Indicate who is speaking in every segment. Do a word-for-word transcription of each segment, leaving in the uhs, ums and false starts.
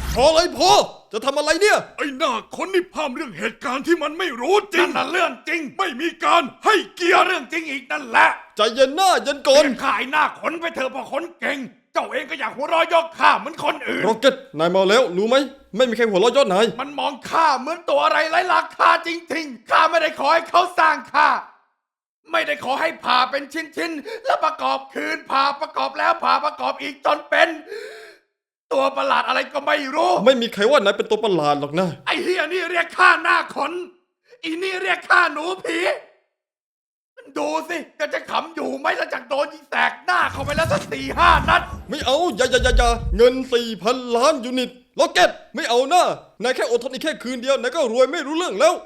Speaker 1: พอเลยพอจะทำอะไรเนี่ย
Speaker 2: ไอ้หน้าคนนี่พามเรื่องเหตุการณ์ที่มันไม่รู้จริงนั่นน่ะเรื่องจริงไม่มีการให้เกียรติเรื่องจริงอีกนั่นแหละ
Speaker 1: ใจเย็นหน้าเย็นก่อน
Speaker 2: เรียกข้าไอ้หน้าขนไปเถอะพอขนเก่ง เจ้าเองก็อยากหัวเราะยอกข้าเหมือนคนอื่น
Speaker 1: โรเก็ตนายเมาแล้วรู้ไหมไม่มีใครหัวเราะยอดนาย
Speaker 2: มันมองข้าเหมือนตัวอะไรไร้ราคาจริงๆข้าไม่ได้ขอให้เขาสร้างข้าไม่ได้ขอให้ผ่าเป็นชิ้นๆแล้วประกอบคืนผ่าประกอบแล้วผ่าประกอบอีกจนเป็น ตัวประหลาดอะไรก็ไม่รู้
Speaker 1: ไม่มีใครว่านายเป็นตัวประหลาดหรอกนะ
Speaker 2: ไอ้เฮียนี่เรียกข้าหน้าขนอีนี่เรียกข้าหนูผีดูสิก็จะขำอยู่ไหมหลังจากโดนยิงแตกหน้าเข้าไปแล้วสักสี่ห้านัด
Speaker 1: ไม่เอาอย่าอย่าอย่าอย่าเงินสี่พันล้านยูนิตโรเก็ตไม่เอาหน้านายแค่อดทนอีกแค่คืนเดียวนายก็รวยไม่รู้เรื่องแล้ว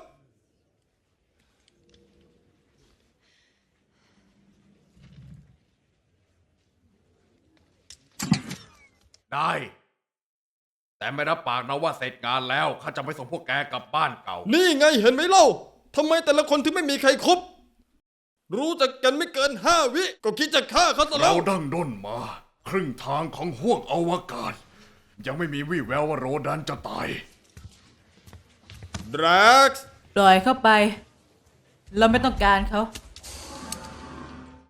Speaker 2: ได้แต่ไม่รับปากนะว่าเสร็จงานแล้วข้าจะไปส่งพวกแกกลับบ้านเก่า
Speaker 1: นี่ไงเห็นไหมเล่าทำไมแต่ละคนถึงไม่มีใครคบรู้จักกันไม่เกินห้าวิก็คิดจะฆ่าเขาซะแล้
Speaker 2: เรา
Speaker 1: ว
Speaker 2: ดั้งด้นมา ครึ่งทางของห้วงอวกาศ ยังไม่มีวี่แววว่าโรดันจะตาย
Speaker 1: ดรักซ์
Speaker 3: ปล่อยเข้าไป เราไม่ต้องการเขา